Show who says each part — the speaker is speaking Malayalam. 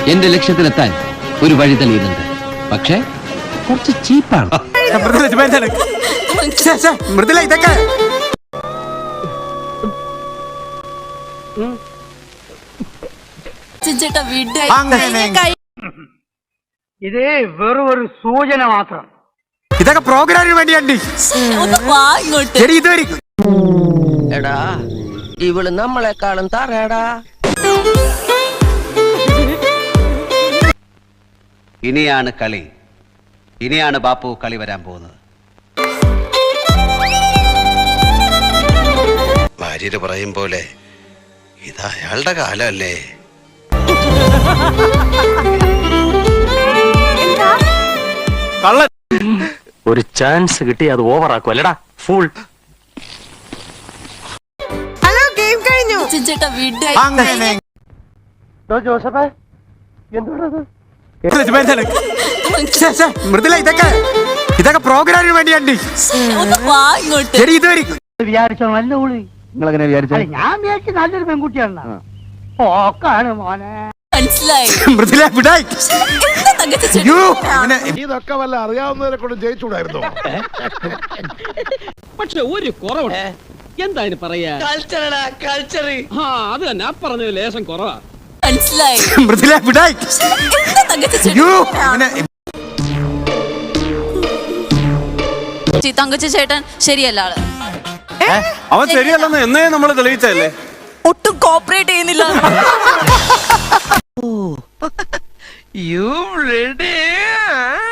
Speaker 1: എന്റെ ലക്ഷ്യത്തിലെത്താൻ ഒരു വഴി തെളിയുന്നുണ്ട്. പക്ഷേ കുറച്ച് ചീപ്പാണ്.
Speaker 2: മൃദുല ഇതൊക്കെ
Speaker 3: ഇത് വെറും ഒരു സൂചന മാത്രം.
Speaker 2: ഇതൊക്കെ പ്രോഗ്രാമിന് വേണ്ടിയാണ്.
Speaker 4: എടാ ഇവള് നമ്മളെക്കാളും തറയടാ.
Speaker 1: ഇനിയാണ് കളി. ഇനിയാണ് ബാപ്പു കളി വരാൻ പോകുന്നത്.
Speaker 5: ഭാര്യര് പറയും പോലെ ഇത് അയാളുടെ കാലമല്ലേ.
Speaker 6: ഒരു ചാൻസ് കിട്ടി അത് ഓവറാക്കും അല്ലടാ ഫുൾ.
Speaker 7: ഹലോ ഗെയിം കഴിഞ്ഞു.
Speaker 2: മൃദുല ഇതൊക്കെ പ്രോഗ്രാമിന് വേണ്ടിയാണ്.
Speaker 3: വിചാരിച്ചോ നല്ല ഉള്ളി.
Speaker 1: നിങ്ങളെങ്ങനെ വിചാരിച്ചു?
Speaker 3: ഞാൻ വിചാരിച്ചു നല്ലൊരു പെൺകുട്ടിയാണ്. ഓക്കാണ് മോനെ.
Speaker 2: മൃദുല വിടായി.
Speaker 5: ഇതൊക്കെ വല്ല അറിയാവുന്നവരെ കൊണ്ട് ജയിച്ചുകൂടായിരുന്നോ?
Speaker 8: പക്ഷെ ഒരു കുറവുണ്ട്. എന്തായാലും പറയാ കൾച്ചർ. അത് തന്നെ പറഞ്ഞത് ലേശം കുറവാ.
Speaker 2: മൃദുല വിടായി.
Speaker 7: തങ്കച്ചി ചേട്ടൻ ശരിയല്ല ആള്.
Speaker 6: അവൻ ശരിയല്ലെന്ന് എന്നേ നമ്മൾ തെളിയിച്ചല്ലേ.
Speaker 7: ഒട്ടും കോപ്പറേറ്റ് ചെയ്യുന്നില്ല.
Speaker 4: You ready?